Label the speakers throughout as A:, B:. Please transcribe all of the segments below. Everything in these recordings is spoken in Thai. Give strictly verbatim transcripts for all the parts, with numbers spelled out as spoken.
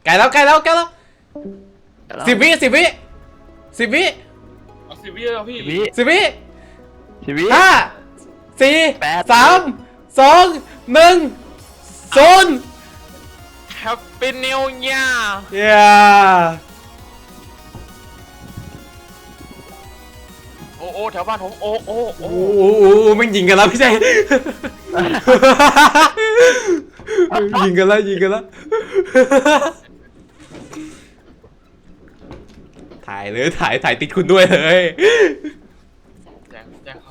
A: ใกล้แล้วใกล้แล้วใกล้แล้วสิบวิสิบวิสิบวิ
B: เอาสิบวิแล้วพี่
C: วิ
A: สิบวิ
C: ชีวิต
A: ห้าสี่
C: แปด
A: สามสองหนึ่งศูนย์
B: แฮปปี้นิวเยียร์
A: เย้
B: โอ้โอ้แถวบ้านผมโอ้โอ้โอ้
A: โอ้โหมันยิงกันแล้วไม่ใช่ ยิงกันแล้วยิงกันแล้ว ถ่ายเลยถ่ายถ่ายติดคุณด้วยเลย
B: แจ้งแจ้งเขา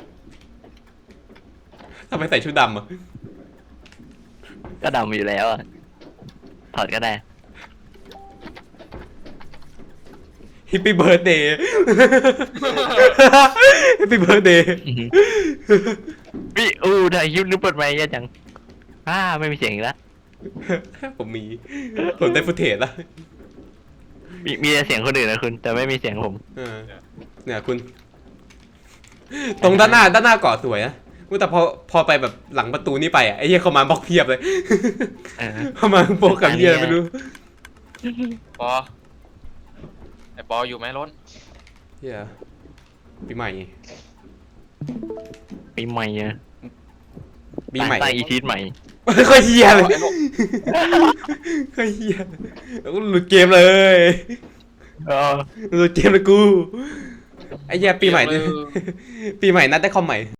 A: ทำไมใส่ชุดดำอ่ะ
C: ก็ดำอยู่แล้วอะถอดก็ได้
A: ฮิปปี้เบิร์ดเดย์ ฮิปปี้เบิร์ดเดย์
C: วิอู้ถ่ายคลิปนึกเปิดไมค์เยอะจังอ้าไม่มีเสียงอีกแล้ว
A: ผมมี ผมได้ฟุตเทจแล้ว
C: มีมีแต่เสียงคนอื่นนะคุณแต่ไม่มีเสียงผม
A: เออเนี่ยคุณ ตรงด้านหน้าด้านหน้าเกาะสวยนะอุ๊ยแต่พอพอไปแบบหลังประตูนี่ไปอ่ะไอ้เหี้ยเขามาบล็อกเพียบเลย
C: เออ
A: เขามาโปกกับเหี้ยอะไรไม่รู้
B: ปอไอปออยู่ไหมล้น
A: เหี้ยปีใหม่
C: ปีใหม่อะ
A: ปีใหม่
C: ตั้งอีทีสใหม่
A: ค่อยเหี้ยเลยค่อยเหี้ยแล้วก็หลุดเกมเลย
C: เออ
A: หลุดเกมเลยกูไอ้เหี้ยปีใหม่เนี่ยปีใหม่นัดได้คอมใหม่